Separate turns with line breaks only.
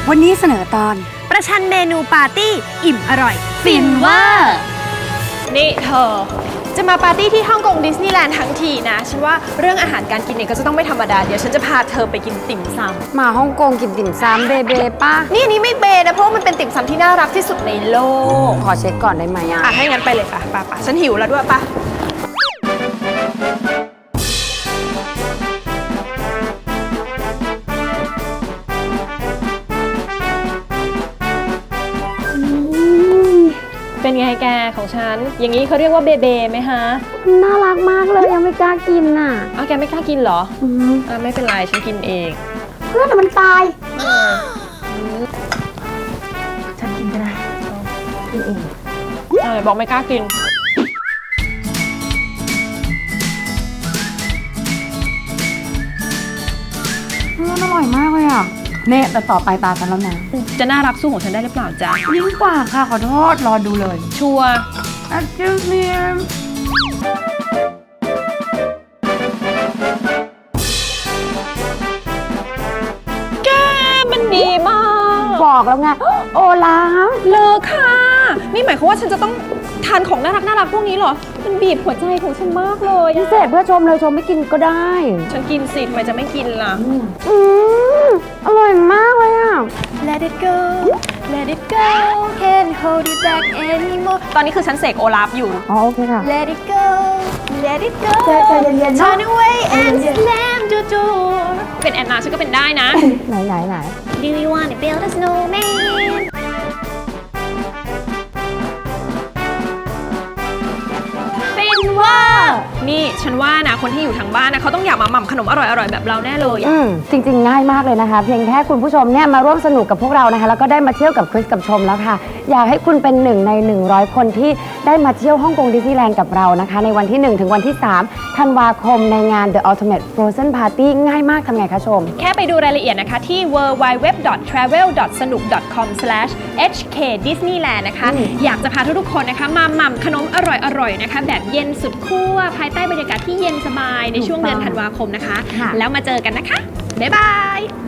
วันนี้เสนอตอน
ประชันเมนูปาร์ตี้อิ่มอร่อย
ฟินเวอร์
นี่เธอจะมาปาร์ตี้ที่ฮ่องกงดิสนีย์แลนด์ทั้งทีนะฉันว่าเรื่องอาหารการกินเนี่ยก็จะต้องไม่ธรรมดาเดี๋ยวฉันจะพาเธอไปกินติ่มซำ
มาฮ่องกงกินติ่มซำเบเบป้า
นี่อันนี้ไม่เบนะเพราะว่ามันเป็นติ่มซำที่น่ารักที่สุดในโลก
ขอเช็คก่อนได้ไหมอ่ะ
ให้งั้นไปเลยป่ะป่ะฉันหิวแล้วด้วยป่ะเป็นไงแกของฉันอย่างนี้เขาเรียกว่าเบเบไหมฮะ
น่ารักมากเลยยังไม่กล้ากินน่ะ
แกไม่กล้ากินเหรอไม่เป็นไรฉันกินเอง
เพื่อนมันตายฉันกินก็ได้กินเอง
บอกไม่กล้ากิน
เพื่อนอร่อยมากเลยอ่ะเน่แต่ต่อไปตาฉันแล้วนะ
จะน่ารักสู้ของฉันได้หรือเปล่าจ๊ะ
ยิ่งกว่าค่ะขอโทษรอดูเลย
ชัวร์
Excuse me
แกมันดีมาก
บอกแล้วไงโอลาฟ
เลิกค่ะนี่หมายความว่าฉันจะต้องทานของน่ารักพวกนี้เหรอมันบีบหัวใจของฉันมากเลย
พิเศษเพื่อชมเลยชมไม่กินก็ได้
ฉันกินสิทำไมจะไม่กินล่ะ
อร่อยมากเลยอ่ะ
Let it go Let it go Can't hold it back anymore ตอนนี้คือฉันเสกโอลาฟอยู่
โอเคค่ะ
Let it go Let it go
ใจเย็นๆ
Turn away and slam the door เป็นแอนนาฉันก็เป็นได้นะ
ไหน
Do you want to build a snowmanฟินเวอร์นี่ฉันว่านะคนที่อยู่ทางบ้านนะเขาต้องอยากมาหม่ำขนมอร่อยๆแบบเราแน่เลย
จริงๆง่ายมากเลยนะคะเพียงแค่คุณผู้ชมเนี่ยมาร่วมสนุกกับพวกเรานะคะแล้วก็ได้มาเที่ยวกับคริสกับชมแล้วค่ะอยากให้คุณเป็น1 ใน 100 คนที่ได้มาเที่ยวฮ่องกงดิสนีย์แลนด์กับเรานะคะในวันที่1ถึงวันที่3ธันวาคมในงาน The Ultimate Frozen Party ง่ายมากทำไงคะชม
แค่ไปดูรายละเอียดนะคะที่ www.travel.sanuk.com/hkdisneyland นะคะอยากจะพาทุกๆคนนะคะมาหม่ำขนมอร่อยๆนะคะแบบเย็นสุดขั้วภายใต้บรรยากาศที่เย็นสบายในช่วงเดือนธันวาคมนะคะแล้วมาเจอกันนะคะบ๊ายบาย